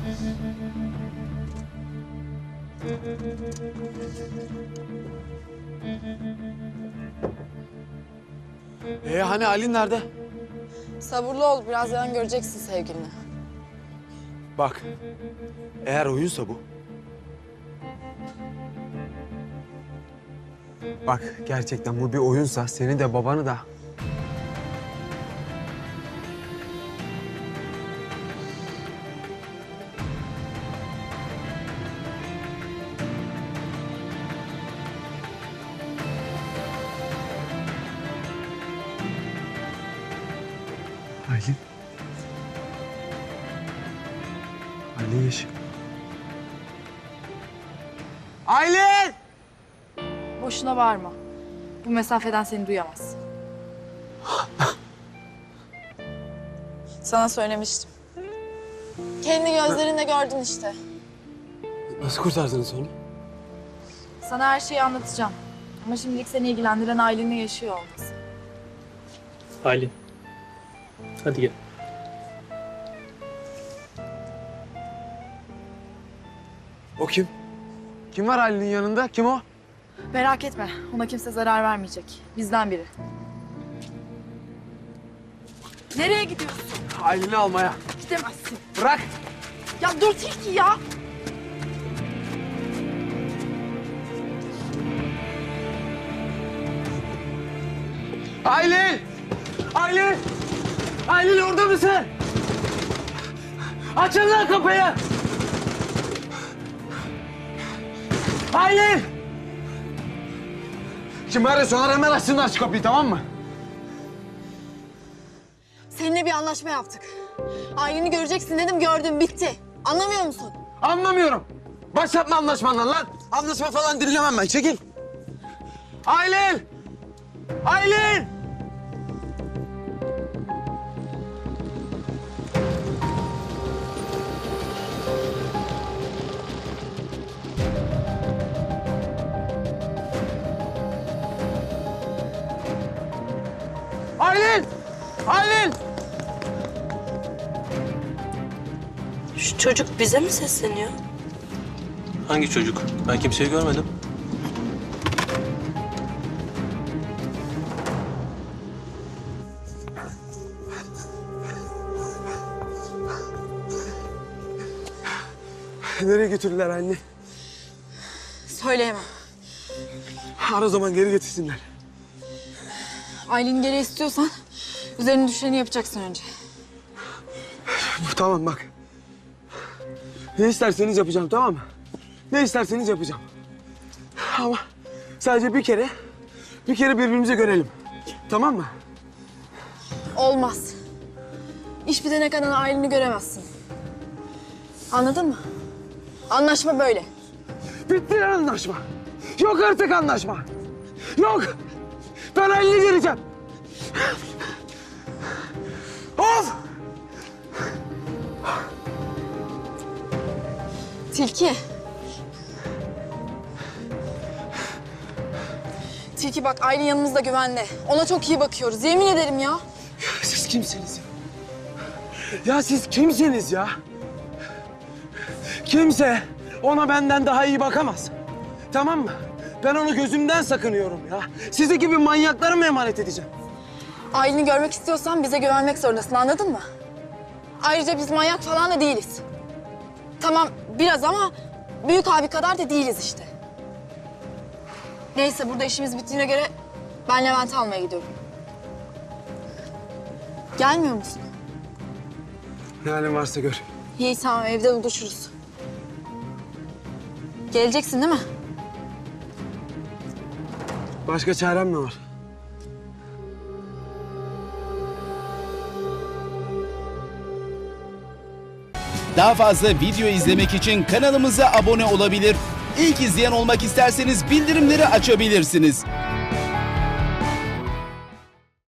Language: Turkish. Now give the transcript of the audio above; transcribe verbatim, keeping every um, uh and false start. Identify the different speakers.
Speaker 1: Ee hani Aylin nerede?
Speaker 2: Sabırlı ol, birazdan göreceksin sevgilini.
Speaker 1: Bak, eğer oyunsa bu. Bak, gerçekten bu bir oyunsa seni de babanı da... Aylin. Aylin yaşıyor. Aylin!
Speaker 2: Boşuna bağırma. Bu mesafeden seni duyamaz. Sana söylemiştim. Kendi gözlerinle gördün işte.
Speaker 1: Nasıl kurtardınız onu?
Speaker 2: Sana her şeyi anlatacağım. Ama şimdilik seni ilgilendiren Aylin'le yaşıyor olması.
Speaker 3: Aylin. Hadi gel.
Speaker 1: O kim? Kim var Aylin'in yanında? Kim o?
Speaker 2: Merak etme, ona kimse zarar vermeyecek. Bizden biri. Nereye gidiyorsun?
Speaker 1: Aylin'i almaya.
Speaker 2: Gidemezsin.
Speaker 1: Bırak!
Speaker 2: Ya dur Tilki ya!
Speaker 1: Aylin! Aylin! Aylin orada mısın? Açın lan kapıyı! Aylin! Şimdi arıyorsun, hemen açsınlar şu kapıyı, tamam mı?
Speaker 2: Seninle bir anlaşma yaptık. Aylin'i göreceksin dedim, gördüm, bitti. Anlamıyor musun?
Speaker 1: Anlamıyorum. Başlatma anlaşmandan lan. Anlaşma falan dinlemem ben, çekil. Aylin! Aylin! Aylin! Aylin!
Speaker 4: Şu çocuk bize mi sesleniyor?
Speaker 3: Hangi çocuk? Ben kimseyi görmedim.
Speaker 1: Nereye götürdüler anne?
Speaker 2: Söyleyemem.
Speaker 1: Ara o zaman geri getirsinler.
Speaker 2: Aylin'i geri istiyorsan üzerine düşeni yapacaksın önce.
Speaker 1: Tamam bak. Ne isterseniz yapacağım, tamam mı? Ne isterseniz yapacağım. Ama sadece bir kere, bir kere birbirimizi görelim. Tamam mı?
Speaker 2: Olmaz. İş bitene kadar Aylin'i göremezsin. Anladın mı? Anlaşma böyle.
Speaker 1: Bitti lan anlaşma. Yok artık anlaşma. Yok. Ben Aylin'i göreceğim. Of!
Speaker 2: Tilki. Tilki bak, Aylin yanımızda güvende. Ona çok iyi bakıyoruz. Yemin ederim ya.
Speaker 1: Siz kimsiniz ya? Ya siz kimsiniz ya? Kimse ona benden daha iyi bakamaz. Tamam mı? Ben onu gözümden sakınıyorum ya. Sizi gibi manyaklara mı emanet edeceğim?
Speaker 2: Aylin'i görmek istiyorsan bize güvenmek zorundasın, anladın mı? Ayrıca biz manyak falan da değiliz. Tamam biraz ama büyük abi kadar da değiliz işte. Neyse, burada işimiz bittiğine göre ben Levent'i almaya gidiyorum. Gelmiyor musun?
Speaker 1: Ne halin varsa gör.
Speaker 2: İyi tamam, evde buluşuruz. Geleceksin değil mi?
Speaker 1: Başka çarem mi var?
Speaker 5: Daha fazla video izlemek için kanalımıza abone olabilir. İlk izleyen olmak isterseniz bildirimleri açabilirsiniz.